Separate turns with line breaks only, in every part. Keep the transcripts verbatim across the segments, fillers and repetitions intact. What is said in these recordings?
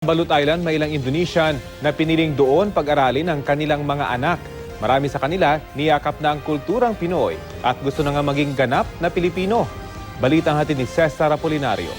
Balut Island, may ilang Indonesian na piniling doon pag-aralin ang kanilang mga anak. Marami sa kanila niyakap na ang kulturang Pinoy at gusto na nga maging ganap na Pilipino. Balitang hatid ni Cesar Apolinario.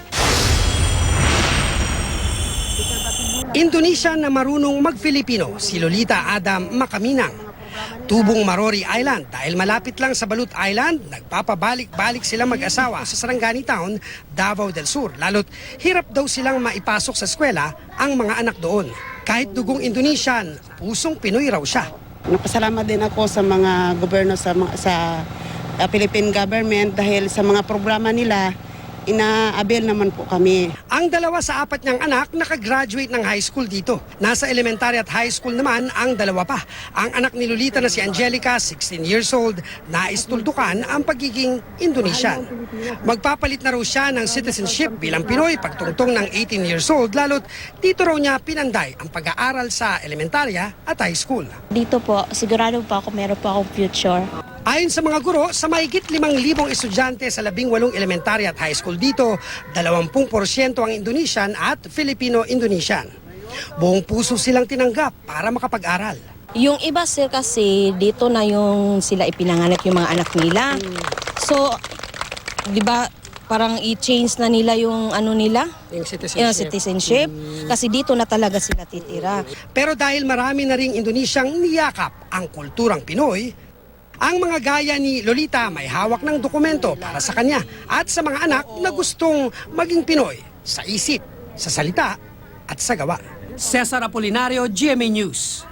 Indonesian na marunong mag-Filipino, si Lolita Adam Makaminang. Tubong Marori Island dahil malapit lang sa Balut Island, nagpapabalik-balik sila mag-asawa sa Sarangani Town, Davao del Sur. Lalo't hirap daw silang maipasok sa eskwela ang mga anak doon. Kahit dugong Indonesian, pusong Pinoy raw siya.
Napasalamat din ako sa mga gobyerno sa, mga- sa uh, Philippine government dahil sa mga programa nila, ina-avail naman po kami.
Ang dalawa sa apat niyang anak nakagraduate ng high school dito. Nasa elementary at high school naman ang dalawa pa. Ang anak ni Lolita na si Angelica, sixteen years old, nais tuldukan ang pagiging Indonesian. Magpapalit na raw siya ng citizenship bilang Pinoy pagtungtong ng eighteen years old, lalo't dito raw niya pinanday ang pag-aaral sa elementarya at high school.
Dito po, sigurado po ako meron po akong future.
Ayon sa mga guro, sa mahigit limang libong estudyante sa labing walong elementary at high school dito, dalawampung porsyento ang Indonesian at Filipino-Indonesian. Buong puso silang tinanggap para makapag-aral.
Yung iba sir kasi dito na yung sila ipinanganak yung mga anak nila. So, di ba parang i-change na nila yung ano nila?
Yung citizenship.
Yung citizenship. Kasi dito na talaga sila titira.
Pero dahil marami na ring Indonesiang niyakap ang kulturang Pinoy, ang mga gaya ni Lolita may hawak ng dokumento para sa kanya at sa mga anak na gustong maging Pinoy sa isip, sa salita at sa gawa. Cesar Apolinario, G M A News.